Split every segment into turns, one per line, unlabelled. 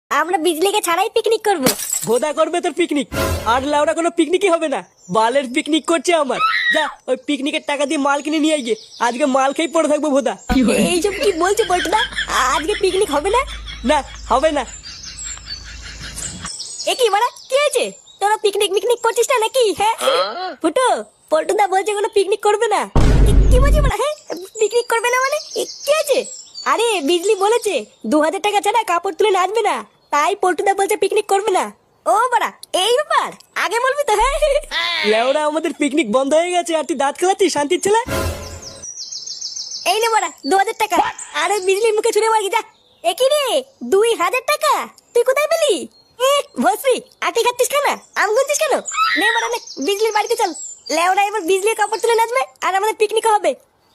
আমরা বিজলিকে ছাড়াই পিকনিক করব।
ভোদা করবে তোর পিকনিক, আর লাউড়া কোনো পিকনিকই হবে না। বালের পিকনিক করছে আমার। যা ওই পিকনিকের টাকা দিয়ে মাল কিনে নিয়ে গিয়ে আজকে মাল খেয়ে পড়ে থাকবো ভোদা।
এইসব কি বলছো পল্টুদা? আজকে পিকনিক হবে না?
না হবে না।
এ কি বাড়া, কি হয়েছে? তোরা পিকনিক মিকনিক করছিস না নাকি? হ্যাঁ ফুটো, পল্টুদা বলছে কোনো পিকনিক করবে না। কি বলছিস বাড়া? হ্যাঁ পিকনিক করবে না মানে কি হয়েছে? আরে বিজলি বলেছে 2000 টাকা ছাড়া কাপড় তুলে নাচবে না, তাই পল্টুদা বলছে পিকনিক করবে না। ও বাড়া এই ব্যাপার, আগে বলবি তো। হ্যাঁ
লেওড়া আমাদের পিকনিক বন্ধ হয়ে গেছে আর তুই দাঁত খেলাচ্ছিস শান্তির ছেলে।
এই নে বাড়া 2000 টাকা। আরে বিজলির মুখে ছুড়ে মারি যা। এ কি রে 2000 টাকা তুই কোথায় পেলি? ভস্রী আটি খাচ্ছিস কেন? আম গুনছিস কেন? নে বাড়া নে, বিজলির বাড়িতে চল। লেওড়া এবার বিজলির কাপড় তুলে নাচবে আর আমাদের পিকনিক হবে।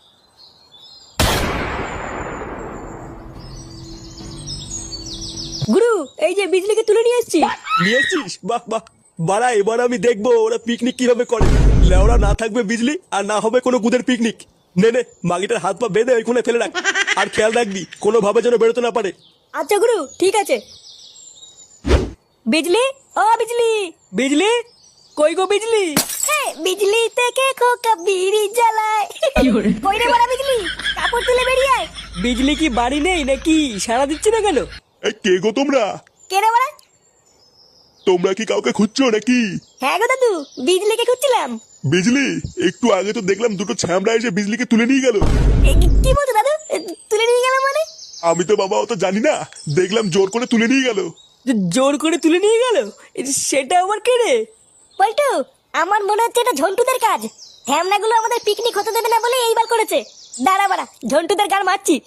গুরু এই যে বিজলিকে তুলে নিয়ে এসেছি।
নিয়ে এসছিস? বাহ বাহ। বাড়া এবার আমি দেখবো ওরা পিকনিক কিভাবে করে। লেওরা না থাকবে বিজলি আর না হবে কোনো গুদের পিকনিক। নে নে মাগিটার হাত পা বেঁধে ওইখানে ফেলে রাখ, আর খেয়াল রাখবি কোনো ভাবে যেন বেরোতে না পারে।
আচ্ছা গুরু ঠিক আছে। বিজলি, ও বিজলি।
বিজলি কই গো বিজলি?
বিজলি থেকে খোকা বিড়ি জ্বালায়। কই রে বড় বিজলি, কাপড় তুলে বেরিয়ে আয়।
বিজলি কি বাড়ি নেই নাকি? সাড়া দিচ্ছে না কেন?
এই কে গো তোমরা?
কে রে বড়?
তোমরা কি কাউকে খুঁজছো নাকি?
হ্যাঁ গো দাদু, বিজলিকে খুঁজছিলাম।
বিজলি একটু আগে তো দেখলাম দুটো ছ্যামড়া এসে বিজলিকে তুলে নিয়ে গেল।
কি বলছো দাদু? তুলে নিয়ে গেল মানে?
আমি তো বাবা অত জানি না, দেখলাম জোর করে তুলে নিয়ে গেল।
জোর করে তুলে নিয়ে গেল? সেটা আবার কে রে?
পল্টু, আমার মনে হচ্ছে এটা ঝন্টুদের কাজ। হ্যামনাগুলো আমাদের পিকনিক হতে দেবে না বলে এইবার করেছে। দাঁড়া বাড়া, ঝন্টুদের গান মারছি।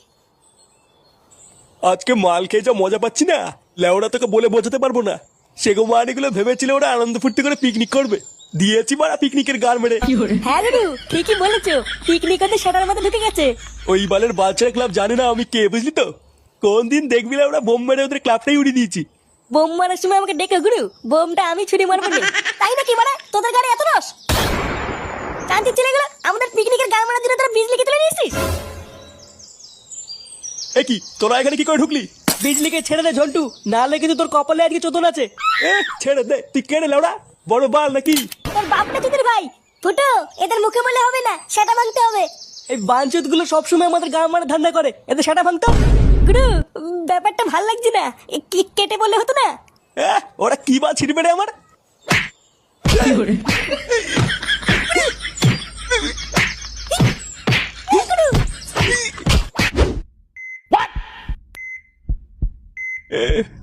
আজকে মাল খেয়ে যা মজা পাচ্ছি না, লেওরা তোকে বলে বোঝাতে পারবো না। সেগো মানিগুলো ভেবেছিল ওরা আনন্দ ফুর্তি করে পিকনিক করবে, দিয়েছি মারা পিকনিকের গান মেরে।
হ্যাঁ গুরু ঠিকই বলেছো, পিকনিক হতে সেটার মধ্যে ঢুকে গেছে।
ওই বালের বাচ্চারা ক্লাব জানে না আমি কে, বুঝলি তো? কোন দিন দেখবি না ওরা বোম মেরে ওদের ক্লাবটাই উড়িয়ে দিয়েছি।
বোম মারার সময় আমাকে ডেকে গুরু, বোমটা আমি ছুরি মারবো না। তাই নাকি বাড়া, তোদের গাড়ি এত রস? শান্তি ছেলে গেল, আমাদের পিকনিকের গান মারার জন্য তোরা বিজলিকে তুলে নিয়েছিস।
এ কি তোরা এখানে কি করে ঢুকলি?
বিজলিকে ছেড়ে দে ঝন্টু, নাহলে কিন্তু তোর কপালে আজকে চোদন আছে।
এ ছেড়ে দে, তুই কেড়ে লেওড়া বড় বাল নাকি?
তোর বাপটা তোদের ভাই। ফুটো, এদের মুখে বলে হবে না, সেটা ভাঙতে হবে।
এই বাঞ্চুত গুলো সবসময় আমাদের গাঁ মারা ধান্দা করে, এদের সেটা ভাঙতো।
গুরু ব্যাপারটা ভাল লাগছে না, কেটে বললে হতো না?
ওরা কি বা ছিড়বে রে আমার?
গুরু